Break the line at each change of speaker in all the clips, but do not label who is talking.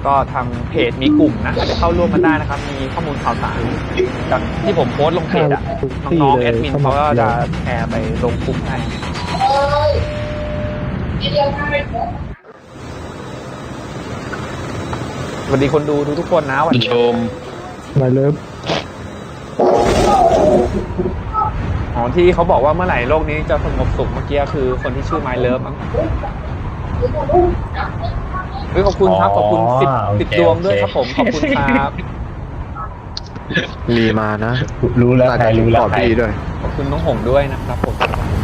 แล้วก็ทางเพจมีกลุ่มนะอาจจะเข้าร่วมกันได้นะครับมีข้อมูลข่าวสารจากที่ผมโพสต์ลงเพจอะน้องๆแอดมินเขาก็จะแชร์ไปลงกลุ่มให้สวัสดีคนดูทุกคนนะวันนี้ชม
มาเลิฟ
อ๋อที่เขาบอกว่าเมื่อไหร่โลกนี้จะสงบสุขเมื่อกี้คือคนที่ชื่อไมเลิฟมั้งขอบคุณครับขอบคุณติดดวงด้วยครับผมขอบคุณครับ
มีมานะ
รู้แล้วใครรู้แล้วใคร
ด้วย
ขอบคุณน้องหงด้วยนะครับผม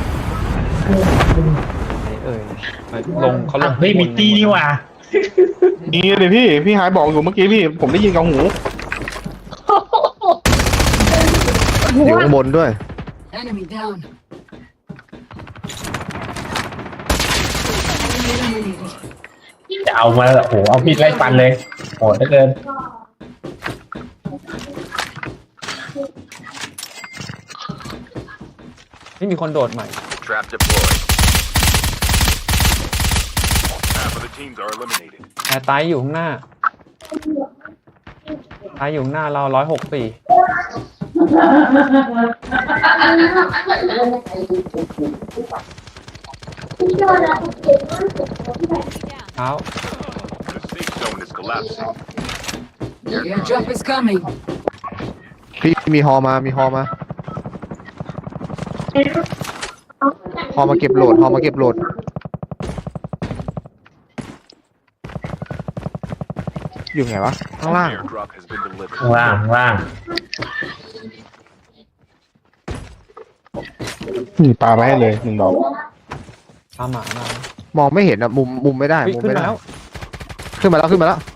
ลงเขาลง
ไม่มีตี้นี่ว่ะ
นี่เลยพี่หายบอกอยู่เมื่อกี้พี่ผมได้ยินกับหูอยู่ข้างบนด้วย
จะเอามาโอ้โหเอามีดไล่ฟันเลยโหดเหลือเกิน
นี่มีคนโดดใหม่
Trap deployed. Half of the teams are eliminated.
แต่ตายอยู่ข้างหน้าตายอยู่ข้างหน้าเรา164เอา
The safe zone is collapsing.
Airdrop is coming.
พี่มีฮอมาฮอมาเก็บโหลดอยู่ไงวะข้างล่าง
Airdrop has been delivered.
ว่าง
นี่ปาไปให้เลย1 ดอก
ตามหมามาม
องไม่เห็นอะมุมไม่ได้
ขึ้นมาแล้ว
ขึ้นมาแล้วนี่
Cluster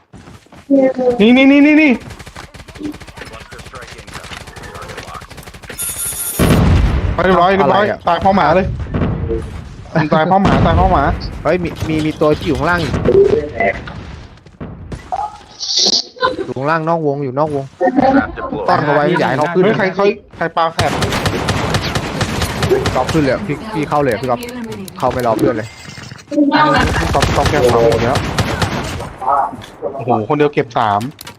strike incoming. Target locked.
เรียบร้อยตายเพราะหมาเลยตายเพราะหมาเฮ้ยมีตัวที่อยู่ข้างล่างอยู่ข้างล่างนอกวง
Trap
ต้อน
deployed.
เขาไว้ใหญ่เขาขึ้นใครปลาแคบก๊อฟขึ้นเลยพี่เข้าเลยพี่ก๊อฟเข้าไม่รอเพื่อนเลยก๊อฟแคบเขาหมดแล้วโอ้โหคนเดียวเก็บ3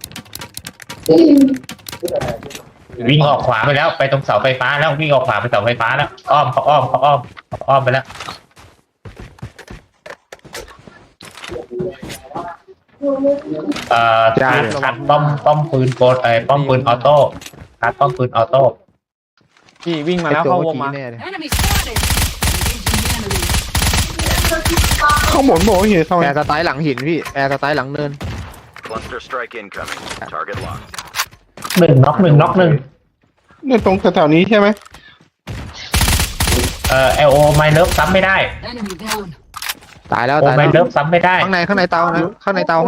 วิ่งออกขวาไปแล้วไปตรงเสาไฟฟ้าแล้ววิ่งออกขวาไปเสาไฟฟ้าแล้วอ้อมไปแล้วคัดป้อมปืนโกดป้อมปืนออโต้คัดป้อมปืนออโต้
พี่วิ่งมาแล้วเข้าวงมา
Enemy spotted. Engaging the enemy.
ข้างบนบอกเห็นแอร์สไตล์หลังหินพี่แอร์สไตล์หลังเนิน
Cluster strike incoming. Target locked.
หนึ่งน็อก
เนี่ยตรงแถวๆนี้ใช่ไหม
LO ไมเลิฟซ้ำไม่ได้
Enemy down.
ตายแล้ว
ไมเลิฟซ้ำไม่ได้
ข้างในเตานะข้างในเตา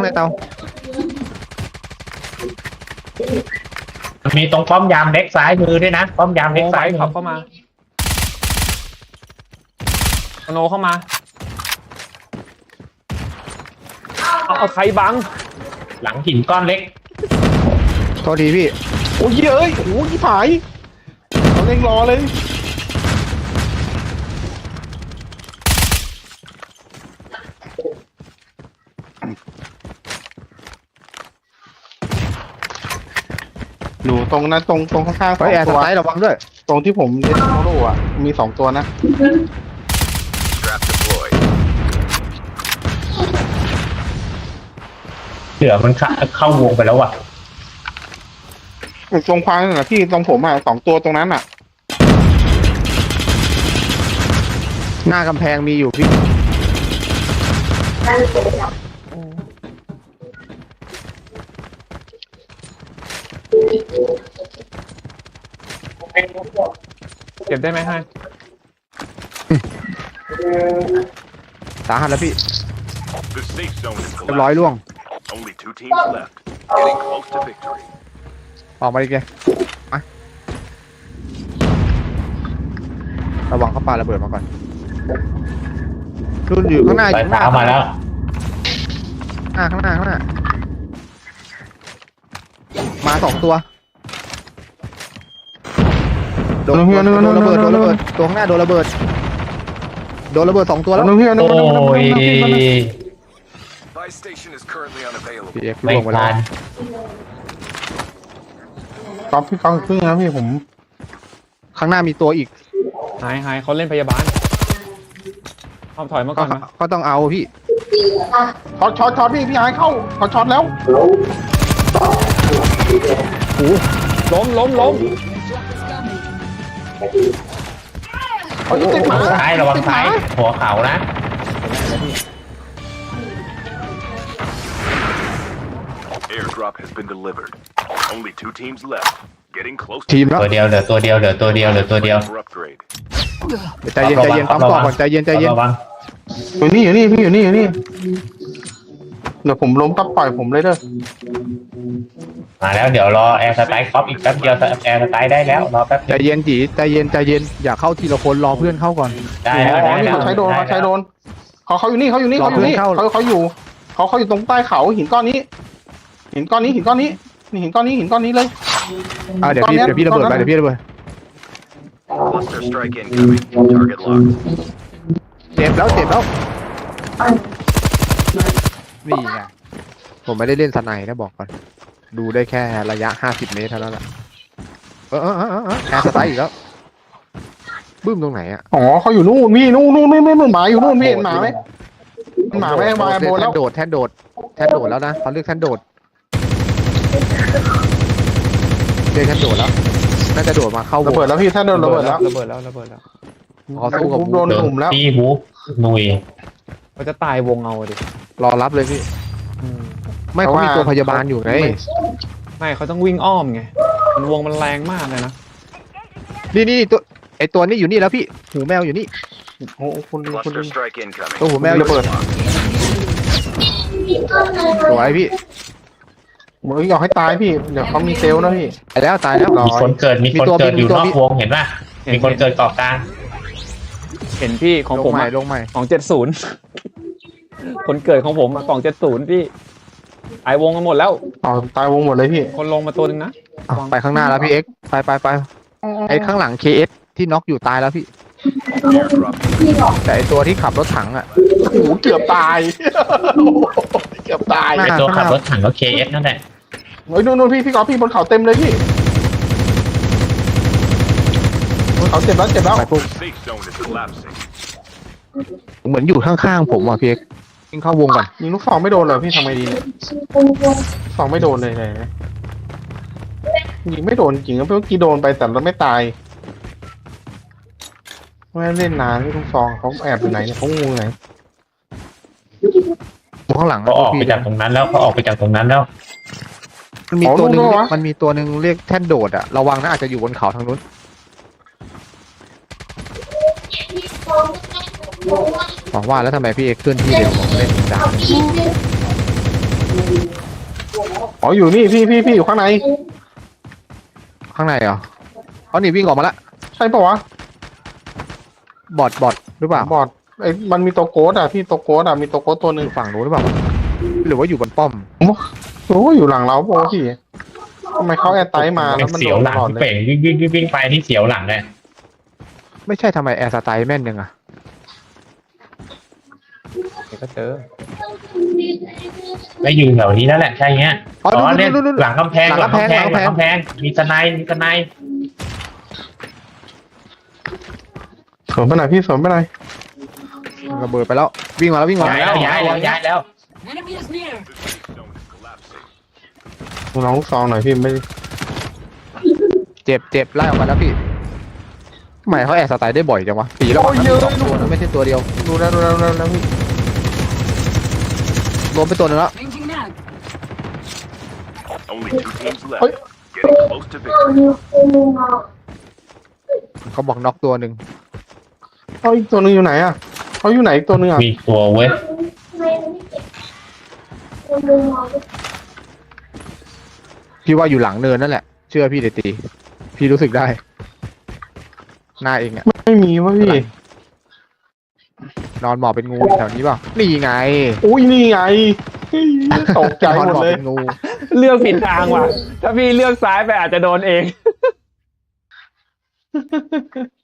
มีตรงป้อมยามเล็กซ้ายมือด้วยนะป้อมยามเล็กซ้ายมือ
ขับเข้ามาสโนเข้ามาเอาใครบัง
หลังหินก้อนเล็ก
โทษทีพี่โอ้ยเอ้ยโอ้ยผายเขาเร่งรอเลยดูตรงนั้นตรงข้างๆแอร์สไลด์ระวังด้วยตรงที่ผมเล่นโมโร่อะมี2 ตัวนะ
Trap deployed.
เสือมันเข้าวงไปแล้วว่ะ
ตรงควางนั่นแหละพี่ตรงผมอะ2 ตัวตรงนั้นอะหน้ากำแพงมีอยู่พี่
เก็บได้ไหมให้
สาหัสแล้วพี่
The safe zone is
เรียบร้อย
collapsed.
ล่วง
Only 2 teams left. Getting close to victory.
ออกมาดิแกมาระวังเขาปาระเบิดมาก่อนรุ่นอยู่ข้างหน้าอยู่ข้างหน้า
มาแล้ว
ข้างหน้ามา2 ตัวโดนระเบิดตัวข้างหน้าโดนระเบิด2 ตัวแล้ว
โอ้ย
Buy station is currently unavailable.
พี่เอ็กซ์
ไม่
ล่วงไปแล้
ทั
วน ก๊อฟพี่ก๊อฟครึ่งนะพี่ผม ข้างหน้ามีตัวอีก
หายเขาเล่นพยาบาลเอาถอยมาก่อนนะ
ก็ต้องเอาพี่ช็อตพี่หายเข้าเขาช็อตแล้ว
ล้ม
Your drop is coming.
เขาจะติดหมา
ซ้ายระวังซ้ายหัวเขานะ
Airdrop has been delivered. Only 2 teams left. Getting close
ที
to
มแล้ว
ตัวเดียวเหลือตัวเดียวเหลือตัวเดียวเหลือตัวเดียว
for upgrade.
ใจเย็นปั๊มก่อนใจเย็น
ระวัง
อยู่นี่พี่อยู่นี่เดี๋ยวผมล้มปั๊บปล่อยผมเลยเด้อ
มาแล้วเดี๋ยวรอแอร์สไตล์ครอปอีกแป๊บเดียวแอร์สไตล์ได้แล้วรอแป๊บ
ใจเย็นจีใจเย็นอย่าเข้าทีละคนรอเพื่อนเข้าก่อน
ได้แล้ว
อ๋อ
ได้
นี่
แล้ว
เขาใช้โดนเขาอยู่นี่เขาอยู่นี่รอเพื่อนเข้าเขาอยู่ตรงใต้เขาหินก้อนนี้นี่หินก้อนนี้เลยเดี๋ยวพี่ระเบิดไป
Cluster strike incoming. Target locked.
เจ็บแล้วนี่ไงผมไม่ได้เล่นสไนนะบอกก่อนดูได้แค่ระยะ50 เมตรเท่านั้นแหละแอร์สไตล์อีกแล้วบึ้มตรงไหนอ่ะอ๋อเขาอยู่นู่นพี่นู่นหมาอยู่นู่นพี่เห็นหมาไหมหมาไม่วายโบแล้วแท่นโดดแล้วนะเขาเรียกแท่นโดดแล้วน่าจะโดดมาเข้าระเบิดแล้วพี่แท่นโดดระเบิดแล้ว เขาสู้กับโดนกลุ่มแล้ว
พี่ฮูบหนุย
เขาจะตายวงเอาดิ
รอรับเลยพี่ไม่เขามีตัวพยาบาลอยู่ไง
ไม่เขาต้องวิ่งอ้อมไงมันวงมันแรงมากเลยนะ
นี่ตัวไอตัวนี้อยู่นี่แล้วพี่หูแมวอยู่นี่โอ้คุณ
Cluster strike incoming.
ตัวหูแมวระเบิดตัวไอพี่มึงอยากให้ตายพี่เดี๋ยวเขามีเซลล์นะพี่ตายแล้ว
มีคนเกิดอยู่นอกวงเห็นป่ะมีคนเกิดเกาะกลาง
เห็นพี่ของผม
ลงใหม่
ของ70คนเกิดของผมของ70พี่ไอวงกันหมดแล้ว
ตายวงหมดเลยพี่
คนลงมาตัวนึงนะ
ไปข้างหน้าแล้วพี่เอ็กไปไอข้างหลัง KS ที่น็อกอยู่ตายแล้วพี่
Airdrop.
แต่ไอตัวที่ขับรถถังอ่ะโอ้โหเกือบตายเกือบตาย
ไอตัวขับรถถังก็ KS นั่นแหละ
เฮ้ยนู่นพี่ก๊อฟพี่บนเขาเต็มเลยพี่บนเขาเจ็บแล้วไปปุ๊บ
The safe zone is collapsing.
เหมือนอยู่ข้างๆผมอ่ะพี่เอ็กยิงเข้าวงก่อนยิงลูกซองไม่โดนเลยพี่ทำไงดีเนี่ยซองไม่โดนเลยยิงไม่โดนจริงๆเมื่อกี้โดนไปแต่เราไม่ตายไม่เล่นนานที่ลูกซองเขาแอบอยู่ไหนเนี่ยเขางูไหนข้างหลัง
เขาออกไปจากตรงนั้นแล้ว
มันมีตัวหนึ่งเรียกแท่นโดดอ่ะระวังนะอาจจะอยู่บนเขาทางนู้นบอกว่าแล้วทำไมพี่เอกเคลื่อนที่เร็วผมเล่นจังอ๋ออยู่นี่พี่อยู่ข้างในเหรอเขาหนีวิ่งออกมาแล้วใช่ปะวะบอทหรือเปล่าบอทไอ้มันมีตัวโกดอ่ะพี่ตัวโกดอ่ะมีตัวโกดตัวหนึ่งฝั่งนู้นหรือเปล่าหรือว่าอยู่บนป้อมโอ้อยู่หลังเราโอ้พี่ทำไมเขาแอร์ไตมาแล้วมัน
เสี
โด
ยวน หลัง
ตลอด
ที่
เลย
เป่งวิ่งไปที่เสียวหลังเลย
ไม่ใช่ทำไมแอร์สไตล์แม่นยังอ่ะ
เดี๋ยวก็เจอ
ไม่อยู่แถวนี้แล้วแหละใช่เงี้ยเนี่ยหลังกำแพงมีสไน
สวนไปไหนพี่สวนไปไหนระเบิดไปแล้ววิ่งมาแล้ว
ย้ายแล้ว
Enemy is near.
The safe zone is collapsing.
น้องซองหน่อยพี่ไม่เจ็บไล่ออกมาแล้วพี่ทำไมเขาแอร์สไตล์ได้บ่อยจังวะปีแล้วมันมี2 ตัวนะไม่ใช่ตัวเดียวดูแล้วพี่รวมเป็นตัวนึงแล้ว
Changing mag.
Only 2 teams left. Getting close to victory.
เขาบอกน็อกตัวหนึ่งอีกตัวหนึ่งอยู่ไหนอ่ะเขาอยู่ไหนอีกตัวหนึ่งอ่ะ
มีตัวเว้ย
พี่ว่าอยู่หลังเนินนั่นแหละเชื่อพี่เดตีพี่รู้สึกได้หน้าเองอ่ะไม่มีวะพี่นอนหมอบเป็นงูแถวนี้เปล่านี่ไงอุ้ยนี่ไงตกใจหมดเลยงู
เลือกผิดทางว่ะถ้าพี่เลือกซ้ายไปอาจจะโดนเอง